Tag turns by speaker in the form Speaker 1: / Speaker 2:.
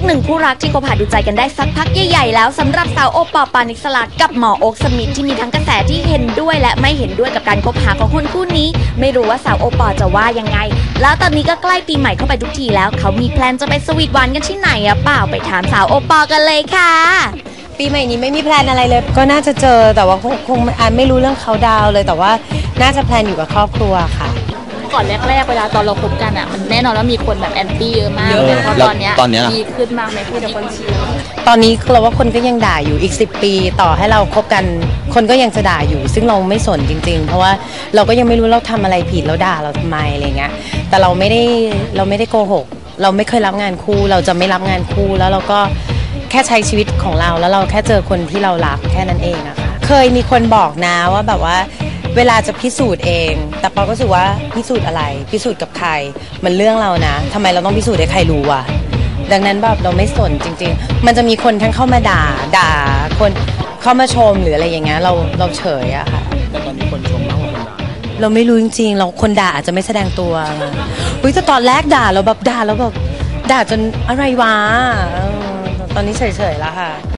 Speaker 1: หนึ่งคู่รักที่คบหาดูใจกันได้สักพักใหญ่ๆแล้วสำหรับสาวโอปอล์ปานิสลากับหมอโอ๊คสมิธที่มีทั้งกระแสที่เห็นด้วยและไม่เห็นด้วยกับการคบหาของคนคู่นี้ไม่รู้ว่าสาวโอปอล์จะว่ายังไงแล้วตอนนี้ก็ใกล้ปีใหม่เข้าไปทุกทีแล้วเขามีแพลนจะไปสวีทหวานกันที่ไหนอะเปล่าไปถามสาวโอปอล์กันเลยค่ะ
Speaker 2: ปีใหม่นี้ไม่มีแพลนอะไรเลยก็น่าจะเจอแต่ว่าคงไม่รู้เรื่องเขาดาวเลยแต่ว่าน่าจะแพลนอยู่กับครอบครัวค่ะ
Speaker 3: ก่อนแรกๆเวลาตอนเราคบกันอ่ะมันแน่นอนว่ามีคนแบบแอนตี้เยอะมากเลยเพราะตอนเนี้ยดีขึ้นมากไหมพูดกับคนเชียร์
Speaker 2: ตอนนี้เราว่าคนก็ยังด่าอยู่อีก10 ปีต่อให้เราคบกันคนก็ยังจะด่าอยู่ซึ่งเราไม่สนจริงๆเพราะว่าเราก็ยังไม่รู้เราทำอะไรผิดแล้วด่าเราทำไมอะไรเงี้ยแต่เราไม่ได้โกหกเราไม่เคยรับงานคู่เราจะไม่รับงานคู่แล้วเราก็แค่ใช้ชีวิตของเราแล้วเราแค่เจอคนที่เรารักแค่นั้นเองอะค่ะเคยมีคนบอกนะว่าแบบว่าเวลาจะพิสูจน์เองแต่ปอก็รู้สึกว่าพิสูจน์อะไรพิสูจน์กับใครมันเรื่องเรานะทำไมเราต้องพิสูจน์ให้ใครรู้อ่ะดังนั้นแบบเราไม่สนจริงๆมันจะมีคนทั้งเข้ามาด่าคนเข้ามาชมหรืออะไรอย่างเงี้ยเราเฉยอะค่ะ
Speaker 4: แต่ตอนนี้คนชมมากกว่าคนด่า
Speaker 2: เราไม่รู้จริงๆเราคนด่าอาจจะไม่แสดงตัวแต่ตอนแรกด่าเราแบบด่าแล้วแบบด่าจนอะไรวะตอนนี้เฉยๆแล้วค่ะ